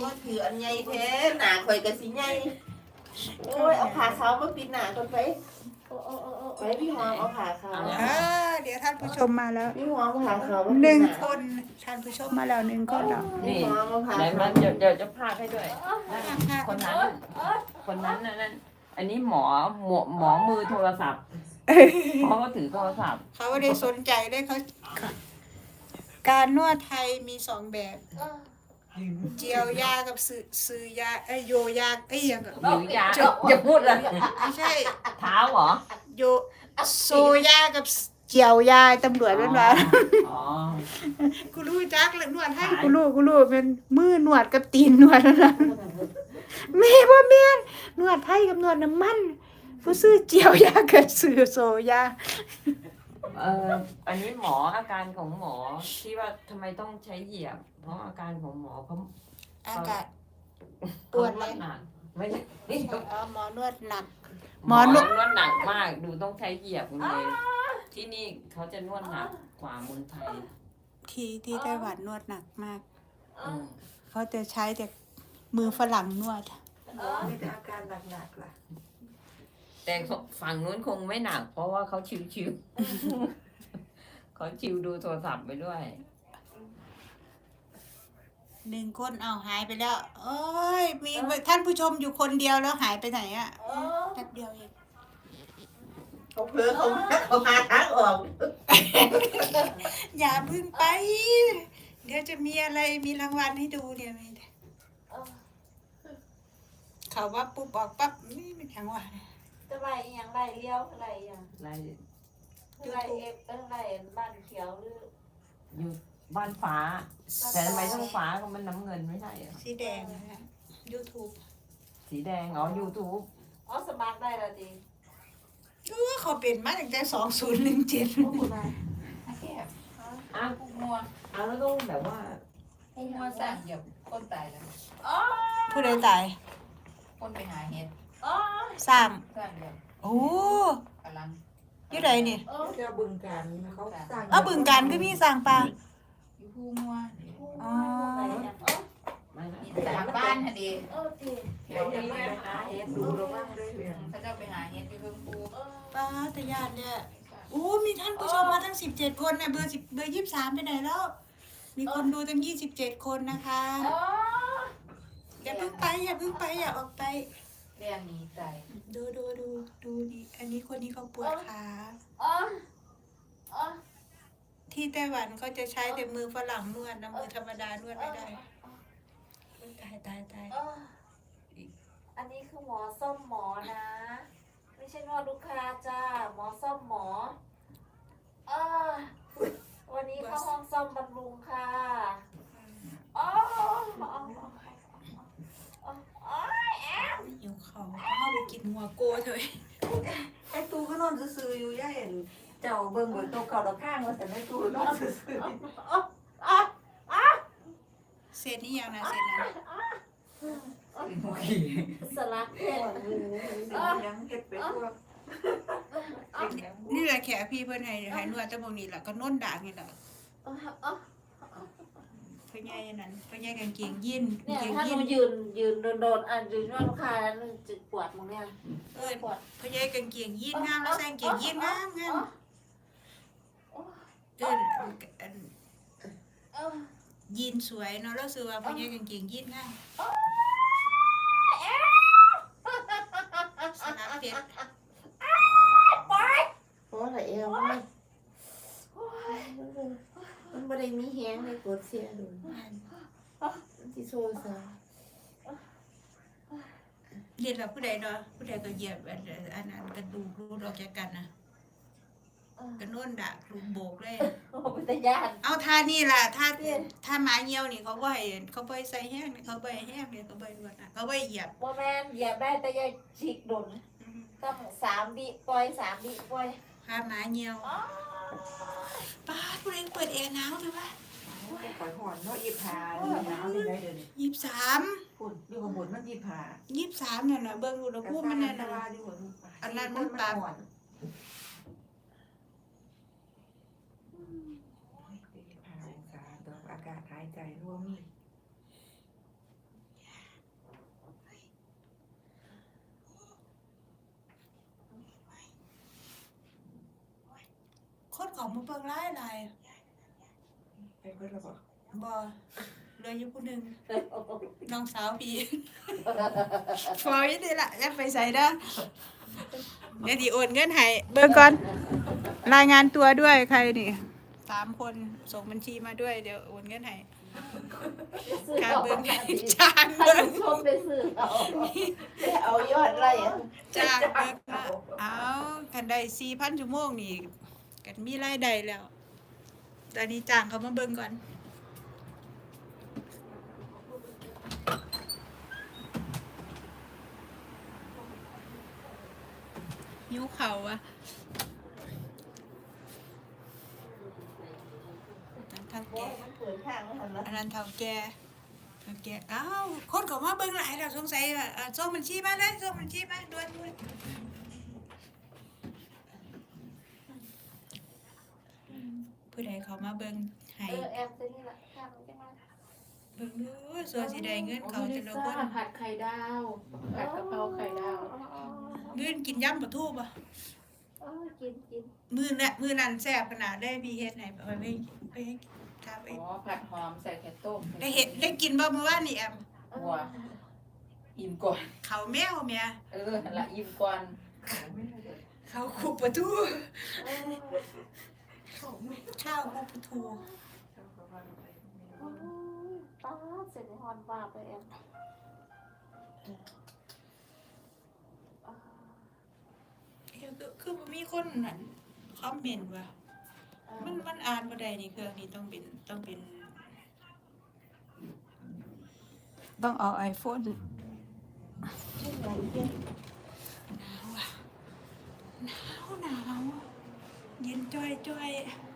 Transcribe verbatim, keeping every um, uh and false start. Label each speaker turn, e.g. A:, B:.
A: ถืออันใหญ่แท้หนาข่อยก็สิใหญ่โอ้ยเอาขาเขามาปิดหนาก่อนไปไปพี่หอมเอาขาเขา
B: เออเดี๋ยวท่านผู้ชมมาแล้ว
A: พี่หอมเอาขาเขามา
B: หนึ่งคนท่านผู้ชมมาแล้วหนึ่งคนแล้ว
A: พี่
C: นี่
A: หอมเอาขา
C: ไหน
A: เขา
C: มาเดี๋ยวเดี๋ยวจะพากให้ด้วยนั่นคนนั้น คนนั้นน่ะนั่นอันนี้หมอหมอหมอมือโทรศัพท์เพราะเขาถือโทรศัพท์
B: เขาไม่ได้สนใจเลยเขาการนวดไทยมีสองแบบ เจียวยากับซื้อซื้อยาเอ้ยโยยาเอ้ยยังกับ
C: หรือยาอย่าพูดเลย
B: ไม่ใช่
C: เท้าเหรอ
B: โยโซยากับเจียวยาตำรวจเป็นว่า
C: อ๋อ
B: กูรู้จักเลยนวดให้กูรู้กูรู้เป็นมือนวดกับตีนนวดนั่นนะแม่บ่แม่นนวดไทยกับนวดน้ำมันผู้ซื้อเจียวยากับซื้อโซยา
C: เอออันนี้หมออาการของหมอที่ว่าทำไมต้องใช้เหยียบ เพราะอาการของหมอเขา
B: อากาศ ป
C: เขา
B: วด
C: น
B: ไหม
C: วดหนักไม่ใช่นี่
B: อ๋อหมอนวดหนัก ห
C: ห
B: ม
C: ม
B: อ
C: อน น
B: ว
C: ว
B: ด
C: ดหนักมากดูต้องใช้เหยียบคุณเลยที่นี่เขาจะนวดหนักกว่าเมืองไทย
B: ที่ที่ไต้หวันนวดหนักมาก
C: อืม
B: เขาจะใช้แต่มือฝรั่งนวด
A: มีแต่อาการหนักๆล่ะ
C: แต่ฝั่งนู้นคงไม่หนัก เพราะว่าเขาชิวๆ เขาชิวดูโทรศัพท์ไปด้วย
B: หนึ่งคนเอาหายไปแล้วโอ้ยมีท่านผู้ชมอยู่คนเดียวแล้วหายไปไหนอะแป๊บเดียวเอง
A: เขาเพ้อเขาเขาหาทางออก
B: อย่าเพึ่งไป เดี๋ยวจะมีอะไรมีรางวัลให้ดูเนี่ยมีเขาว่าปุ๊บออกปั๊บนี่เป็นอย่างว่า
D: จะไล่อีหยังไล่เลี้ยวอะไรอย่าง
C: ไล่
D: ไล่เอฟเออไล่บ้านเขียวหรือ
C: อยู่บ้านฟ้า แต่ทำไมต้องฟ้าก็มันน้ำเงินไม่ใช่เหรอ
B: สีแดงนะฮะ YouTube
C: สีแดง อ๋อ YouTube
D: อ๋อสมัครได้แล้วจริง
B: เออเขาเป็นมาตั้งแต่สองศูนย์หนึ่งเจ็ด
D: แค่
C: อ้าว
D: พวกมัว
C: เอาแล้วต้องแบบว่า
D: พวกมัวสั่งเหยียบคนตายแล้ว
B: ผู้ใดตาย
D: คนไปหาเห็ด
B: สาม
D: สั่งเหยียบ
B: โอ้
D: กำลัง
B: อยี่ใดนี่
A: เจ้าบึงการเขาสร้าง
B: เอาบึงการก็มีสร้างปลา
D: อยู่ผู้มัว
B: อ๋อ
C: ไม่ไม่
D: นี่จากบ้านฮะดี
A: เดี๋ยวจะไปหาเห็ดดูระวังด้วยเนี่ย
D: เขาจะไปหาเห็ดที่เพิ่งปู
B: ปลาตะยานเนี่ยโอ้มีท่านผู้ชมมาทั้งสิบเจ็ดคนนะเบอร์สิบเบอร์ยี่สิบสามไปไหนแล้ว มีคนดูตั้งยี่สิบเจ็ดคนนะคะอย่าเพิ่งไปอย่าเพิ่งไปอย่าออกไป
D: เรียนหนีใจ
B: ดูดูดูดูดิอันนี้คนนี้เขาปวดขาที่ไต้หวันเขาจะใช้แต่มือฝรั่งนวดนะมือธรรมดานวดไม่ได้ตายตายตาย
D: อันนี้คือหมอส้มหมอนะ ไม่ใช่นวดลูกค้าจ้าหมอส้มหมอเออวันนี้เข้าห้องส้มบำรุงค่ะอ๋อ
B: หิวเขาเขาไปกินหัวโกเถอะ
A: ไอ้ตูก็นอนซื่อๆอยู่ย่าเห็นเจ้าเบิ่งบนโต๊ะเก่าดอกข้างว่าแต่ไอ้ตูนอนซื่อ
B: เศษนี่ยังนะเศษนั้น
D: สลักเพชร
A: ๆยังเก็บไปพวก
B: นี่แหละแขกพี่เพื่อนให้ให้นวดแต่พวกนี้แหละก็น้นด่างนี่แหละเพื่อนใหญ่นั้นเพื่อนใหญ่กางเกงยีน
D: เนี่ย
B: กางเกง
D: ถ้าห
B: ยี
D: นู
B: น
D: ยืนยืนโดนๆอ่ะยืนนวดลูกค้าแล้วมันจะปวดมึงเนี่ย
B: เออเพื่อนใหญ่กางเกงยีนงามแล้วใส่กางเกงยีนงามงามเอิ้นอัน
D: เออ
B: ยีนสวยเนาะแล้วซื้อว่าเพื่อนใหญ่กางเกงยีนงามสลับเพชร
A: เพราะอะไรเอวมันมันไม่ได้มีแฮงในกดเสียดูที่โซ่ซะ
B: เรียนแบบผู้ใดเนาะผู้ใดก็เหยียบอันอันนั้นกระดูกรูดออกจากกันนะกระโน่นด่าลูกโบกเลย
D: โอ้เป็นตาญาติ
B: เอาท่านี่ล่ะท่าท่าหมาเหี่ยวนี่เขาบ่ให้เขาบ่ให้ใส่แห้งนี่เขาบ่ให้แห้งนี่เขาบ่ให้นวดนะเขาบ่ให้เหยียบ
D: ว่าแม่นเหยียบได้แต่อยาฉีกโดนต้องสามวิปล่อยสามวิปล่อย
B: ท่าหมาเหี่ยวป้าดผู้ใดเปิดแอร์หนาวเลยวะ
A: ปล่อยหอนเนาะยีผานี่หนาวที่ไหนเดี๋ยวนี้
B: ยี่สิบสาม
A: ฝุ่นอยู่ข้างบนมันยีผา
B: ยี่สิบสามนั่นน่ะเบิ่งอุณหภูมิมันนั่นน่ะ
A: อยู่บน
B: อันนั้นมันปรับ
A: อากาศหายใจร่วมนี่
B: ยมาเบิ่งหลายหลาย
A: ไปเพิ่นแล้วบ่
B: บ่เหลยอยู่ผู้หนึงน้องสาวพี่ฟอยนี่ล่ะอย่าไปใส่เด้อเดี๋ยวสิโอนเงินให้เบิ่งก่อนรายงานตัวด้วยใครนี่สามคนส่งบัญชีมาด้วยเดี๋ยวโอนเงินให้
D: ซื้อ
B: การ
D: เอา
B: เบิ่ง
D: ให้
B: จาน
D: ท่า
B: เบิ่ง
D: นผู้ชมไปซื้อเอา
A: ไปเอายอดไร่อะ
B: จ้างเบิ่งมาเอาคันได้ สี่พัน ชั่วโมงนี่ก็มีรายได้แล้ว ตอนนี้จ้างเขามาเบิ่งก่อนหิวเขาวอะนั่นเท่า
A: บ่
B: แก่
A: มันเปิดทางแล้วหั่นล่ะ
B: อันนั้นเท่าแก่เท่าแก่อ้าวคนเขามาเบิ่งหลายแล้วสงสัยว่าเอ่อส่งบัญชีมาเลยส่งบัญชีมาด่วนด่วนผู้ใดเขามาเบิ่งให้
D: เออแอมจะนี่แหละข้างจะมา
B: เบิ่งดูส่วนสิได้เงินเขาจะละคน
C: ผัดไข่ดาวผัดกะเพราไข่ดาว
B: เงินกินยำปลาทูป่ะ
D: เออกินกิน
B: มื้อน่ะมื้อนั้นแซ่บขนาดได้พี่เฮ็ดให้ไปไปไปครับไป
C: อ๋อผัดหอมใส่ไข่ต้ม
B: ได้เฮ็ดได้กินบ่เมื่อวานนี่แอม
C: หัวอิ่มก่อน
B: เขาวแมวแม่
C: เออละอิ่มก่อน
B: เขาคุกปลาทู
D: เออ
B: ข้าวคุกปลาทู
D: โอ้ยป้าดเสร็จในฮอนว่าไปแอมอ่า
B: เอ้ยคือคือบ่มีคนนั่นคอมเมนต์ว่า มันมันอ่านบ่ได้นี่เครื่องนี้ต้องเป็นต้องเป็น ต้องเอา iPhone
A: ชื่ออะไรเด้อ
B: หนาวอะหนาวหนาวเย็นจ้อยจ้อย